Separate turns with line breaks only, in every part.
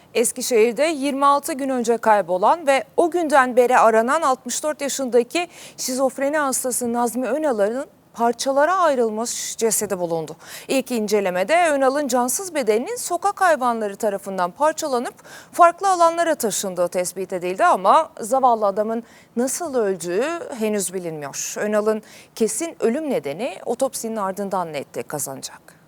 Eskişehir'de 26 gün önce kaybolan ve o günden beri aranan 64 yaşındaki şizofreni hastası Nazmi Önal'ın parçalara ayrılmış cesedi bulundu. İlk incelemede Önal'ın cansız bedeninin sokak hayvanları tarafından parçalanıp farklı alanlara taşındığı tespit edildi ama zavallı adamın nasıl öldüğü henüz bilinmiyor. Önal'ın kesin ölüm nedeni otopsinin ardından netlik kazanacak.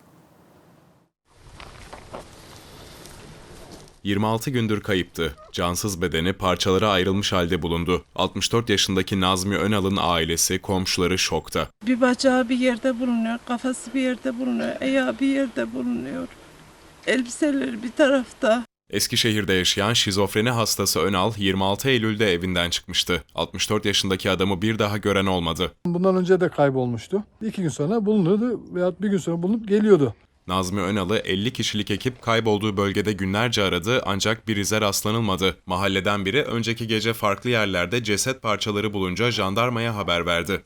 26 gündür kayıptı. Cansız bedeni parçalara ayrılmış halde bulundu. 64 yaşındaki Nazmi Önal'ın ailesi, komşuları şokta.
Bir bacağı bir yerde bulunuyor, kafası bir yerde bulunuyor, ayağı bir yerde bulunuyor. Elbiseleri bir tarafta.
Eskişehir'de yaşayan şizofreni hastası Önal 26 Eylül'de evinden çıkmıştı. 64 yaşındaki adamı bir daha gören olmadı.
Bundan önce de kaybolmuştu. 2 gün sonra bulunuyordu veya bir gün sonra bulunup geliyordu.
Nazmi Önal'ı 50 kişilik ekip kaybolduğu bölgede günlerce aradı ancak bir ize rastlanılmadı. Mahalleden biri önceki gece farklı yerlerde ceset parçaları bulunca jandarmaya haber verdi.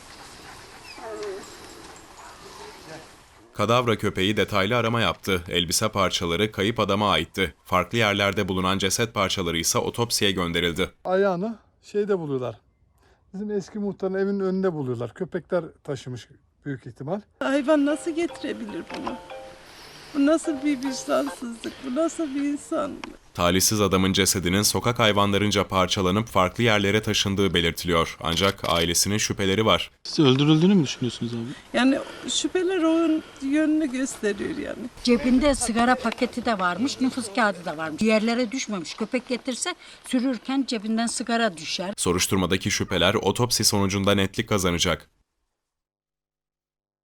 Kadavra köpeği detaylı arama yaptı. Elbise parçaları kayıp adama aitti. Farklı yerlerde bulunan ceset parçaları ise otopsiye gönderildi.
Ayağını şeyde buluyorlar. Bizim eski muhtarın evinin önünde buluyorlar. Köpekler taşımış büyük ihtimal.
Hayvan nasıl getirebilir bunu? Bu nasıl bir vicdansızlık, bu nasıl bir insan?
Talihsiz adamın cesedinin sokak hayvanlarınca parçalanıp farklı yerlere taşındığı belirtiliyor. Ancak ailesinin şüpheleri var.
Siz öldürüldüğünü mü düşünüyorsunuz abi?
Yani şüpheler onun yönünü gösteriyor yani.
Cebinde sigara paketi de varmış, nüfus kağıdı da varmış. Yerlere düşmemiş. Köpek getirse sürürken cebinden sigara düşer.
Soruşturmadaki şüpheler otopsi sonucunda netlik kazanacak.